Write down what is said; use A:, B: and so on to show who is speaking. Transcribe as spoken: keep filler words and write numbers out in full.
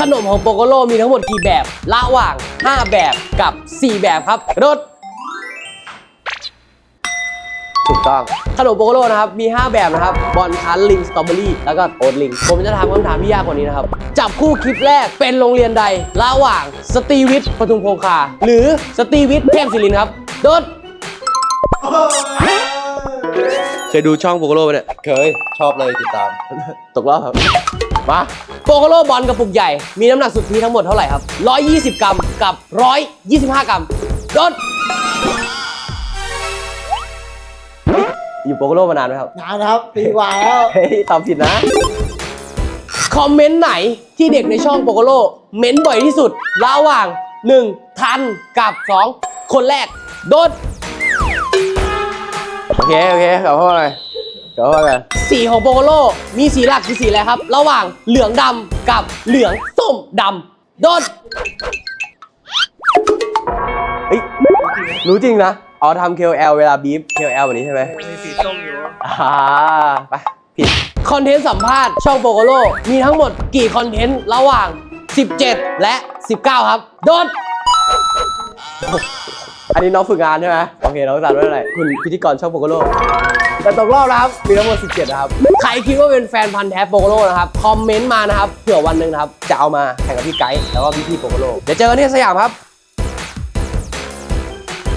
A: ขนมของโปโกโลมีทั้งหมดกี่แบบระหว่างห้าแบบกับสี่แบบครับรถถูกต้องขนมโปโกโลนะครับมีห้าแบบนะครับบอลคันลิงสตรอเบอรี่แล้วก็โอ๊ตลิงผมจะถามคำถามที่ยากกว่านี้นะครับจับคู่คลิปแรกเป็นโรงเรียนใดระหว่างสตรีวิทย์ปทุมคงคาหรือสตรีวิทย์เทพศิรินทร์ครับโดดเคยดูช่องโปโกโลไหมเนี่ย
B: เคยชอบเลยติดตาม
A: ตกรอบครับมาโปโกโลบอลกระปุกใหญ่มีน้ำหนักสุทธิทั้งหมดเท่าไหร่ครับหนึ่งร้อยยี่สิบกรัมกับหนึ่งร้อยยี่สิบห้ากรัมโดดอยู่โปโกโลมานานไหมครับ
C: นานนะครับปีกว่าแล้ว
A: เฮ้ยตอบผิดนะคอมเมนต์ไหนที่เด็กในช่องโปโกโลเม้นบ่อยที่สุดระหว่างหนึ่งทันกับสองคนแรกโดดโอเคโอเคกลับเข้ามาเลยกลับเข้ามากันสีของโปโกโลมีสีหลักคือสีอะไรครับระหว่างเหลืองดำกับเหลืองส้มดำโดดเฮ้ยรู้จริงนะอ๋อทำ เค โอ แอล เวลาบีฟ เค โอ แอล แบบนี้ใช่ไหม
C: มีสีส้มอยู่
A: อ่าไปผิดคอนเทนต์สัมภาษณ์ช่องโปโกโลมีทั้งหมดกี่คอนเทนต์ระหว่างสิบเจ็ดและสิบเก้าครับโดนอันนี้น้องฝึกงานใช่ไหมโอเคน้องสาวด้วยอะไรคุณพิธีกรช่องโปโกโลแต่ตกรอบนะครับมีทั้งหมดสิบเจ็ดนะครับใครคิดว่าเป็นแฟนพันธ์แท้โปโกโลนะครับคอมเมนต์มานะครับเผื่อวันหนึ่งนะครับจะเอามาแข่งกับพี่ไกด์แล้วก็พี่พี่โปโกโลเดี๋ยวเจอกันที่สยามครับ